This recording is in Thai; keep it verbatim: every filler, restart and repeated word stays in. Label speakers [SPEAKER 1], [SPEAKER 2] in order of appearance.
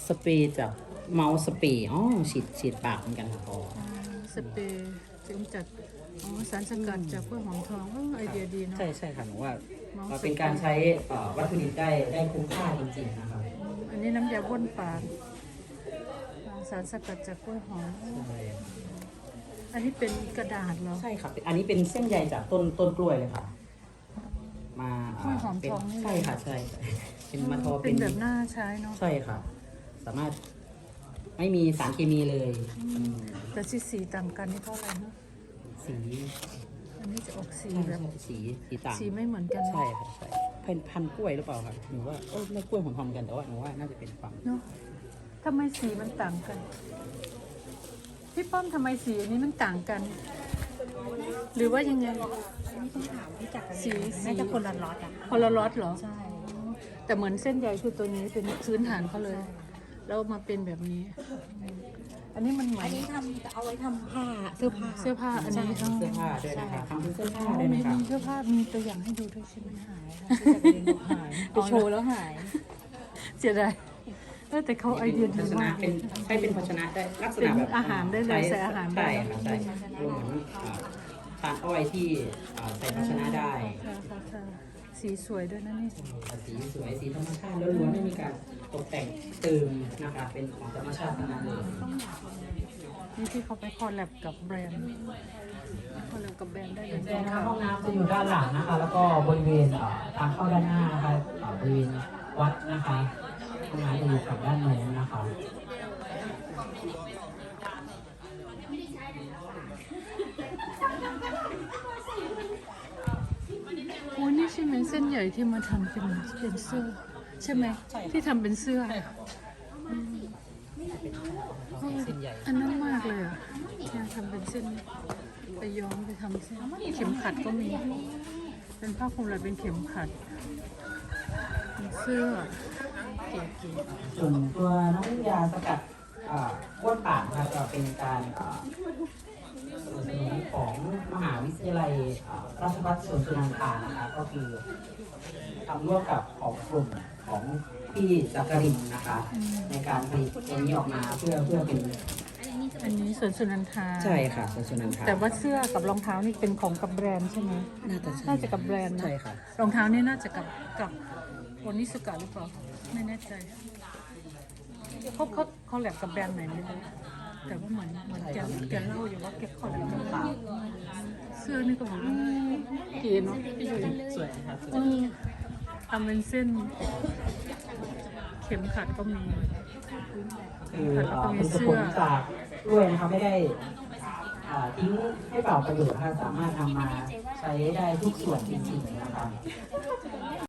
[SPEAKER 1] สเปรย์จากเมาส์สเปรย์อ๋อฉีดฉีดปากเหมือนกันค่ะพอ
[SPEAKER 2] สเปรย์จะกำจัดอ๋อสารสกัดจากกล้วยหอมทองเออไอเดียดีเนาะ
[SPEAKER 1] ใช่ใช่ค่ะหนูว่า
[SPEAKER 2] เมาส์
[SPEAKER 1] เราเป็นการใช้เอ่อวัตถุดิบได้ได้คุ้มค่าจริงๆนะครับ
[SPEAKER 2] อันนี้น้ำยาบ้วนปากสารสกัดจากกล้วยหอม
[SPEAKER 1] ใช่
[SPEAKER 2] อันนี้เป็นกระดาษเหรอ
[SPEAKER 1] ใช่ครับอันนี้เป็นเส้นใยจากต้นต้นกล้วยเลยค่ะ มา
[SPEAKER 2] กล้วยหอม
[SPEAKER 1] เป็น
[SPEAKER 2] ทองนี่
[SPEAKER 1] ใช่ค่ะใช่เป็นมาทอ
[SPEAKER 2] เป็นแบบหน้าใช้เนาะ
[SPEAKER 1] ใช่ค่ะ สามารถไม่มีสารเคมีเลย
[SPEAKER 2] แต่สีสีต่างกันนี่เท่าไหร่เนาะ
[SPEAKER 1] สี
[SPEAKER 2] อันนี้จะออกสี
[SPEAKER 1] ใช่
[SPEAKER 2] แบบ
[SPEAKER 1] สีสีต่าง
[SPEAKER 2] สีไม่เหมือนกัน
[SPEAKER 1] ใช่ค่ะใช่เป็นพันธุ์กล้วยหรือเปล่าครับหนูว่าเออไม่กล้วยหอมทองกันแต่ว่าหนูว่าน่าจะเป็นความ
[SPEAKER 2] เนาะทำไมสีมันต่างกันพี่ป้อมทำไมสีอันนี้มันต่างกัน หรือว่ายังไง
[SPEAKER 3] อันนี้ต้องถามพี่จักร
[SPEAKER 2] สีสี
[SPEAKER 3] น่าจะคนละล็อตอ่ะ
[SPEAKER 2] คนละล็อตเหรอ
[SPEAKER 3] ใช่
[SPEAKER 2] แต่เหมือนเส้นใยคือตัวนี้เป็นพื้นฐานเขาเลย แล้วมาเป็นแบบนี้ อันนี้มันเหมือ
[SPEAKER 3] อั
[SPEAKER 2] น
[SPEAKER 3] นนี้ทำจะเอาไว้ทำผ้าเสื้อผ้า
[SPEAKER 2] เสื้อผ้าอันนี้
[SPEAKER 1] เสื้อผ้าด้วยนะคะทำเป็นเสื้อผ้า
[SPEAKER 2] อ๋อ
[SPEAKER 1] ด้วย
[SPEAKER 2] มี
[SPEAKER 1] นะคะ
[SPEAKER 2] มีเสื้อผ้ามีตัวอย่างให้ดูด้วยใช่ไหม
[SPEAKER 3] หายค่ะพี่จักรเรียนบอกหายไปโชว์แล้วหาย
[SPEAKER 2] เสียดายเออแต่เขาไอเดีย
[SPEAKER 1] ภา
[SPEAKER 2] ดี
[SPEAKER 1] ชนะ
[SPEAKER 2] มาก
[SPEAKER 1] เป็นใช้เป็นภาชนะได้ลักษณะแบบ
[SPEAKER 2] เป็นอาหารได้เลยใส่อาหารได้
[SPEAKER 1] ใช่ค่ะใช่รวมเหมือนอ่าทานอ้อยที่อ่าใส่ภาชนะได้
[SPEAKER 2] ค่ะค่ะค่ะสีสวยด้วยนะนี่
[SPEAKER 1] สีสวยสีธรรมชาติล้วนๆไม่มีการตกแต่งเติมนะคะเป็นของธรรมชาติทั้งนั้นเลย
[SPEAKER 2] นี่ที่เขาไปคอลแลบกับแบรนด์คอลแลบกับแบรนด์ได้เลย
[SPEAKER 1] นะคะห้องน้ำจะอยู่ด้านหลังนะคะ แล้วก็บริเวณอ่าทางเข้าด้านหน้านะคะอ่าบริเวณวัดนะคะห้องน้ำจะอยู่ฝั่งด้านโน้นนะคะ
[SPEAKER 2] โอ้นี่ใช่ไหมเส้นใหญ่ที่มาทำเป็นเป็นเสื้อ ใช่ไหมที่ทำเป็นเสื้อ
[SPEAKER 1] เส้นใหญ่
[SPEAKER 2] อันนั้นมากเลยอ่ะเนี่ยทำเป็นเส้นไปย้อมไปทำเส้นเข็มขัดก็มี เป็นผ้าคลุมอะไรเป็นเข็มขัดเป็นเสื้อเก๋
[SPEAKER 1] ส่วนตัวน้ำยาสกัดอ่าบ้วนปากนะครับจะเป็นการอ่าสนับสนุนของมหาวิทยาลัยอ่าราชภัฏสวนสุนันทานะคะก็คือทำร่วมกับของกลุ่มของพี่จักรินทร์นะคะ ในการผลิตตัวนี้ออกมาเพื่อเพื่อเป็น
[SPEAKER 2] ๆอันนี้สวนสุนันทา
[SPEAKER 1] ใช่ค่ะสวนสุนันทา
[SPEAKER 2] แต่ว่าเสื้อกับรองเท้านี่เป็นของกับแบรนด์ใช่ไหม
[SPEAKER 1] น่าจะใช่
[SPEAKER 2] น่าจะกับแบรนด์นะ
[SPEAKER 1] ใช่ค่ะ
[SPEAKER 2] รองเท้านี่น่าจะกับกับโอนิสกะหรือเปล่าไม่แน่ใจเขาเขาเขาแลบกับแบรนด์ไหนไม่รู้แต่ว่าเหมือนเหมือนแกแกเล่าอยู่ว่าแกเขาแลบกับเสื้อนี่ก็บอกว่าเก๋เนาะพี่ยุ้ย
[SPEAKER 1] สวยครับ
[SPEAKER 2] เออทำเป็นเส้น เข็มขัดก็มี
[SPEAKER 1] คือเอ่อเป็นผลจากกล้วยนะคะไม่ได้อ่าทิ้งให้เปล่าประโยชน์นะคะสามารถทำมาใช้ได้ทุกส่วนจริงๆนะคะ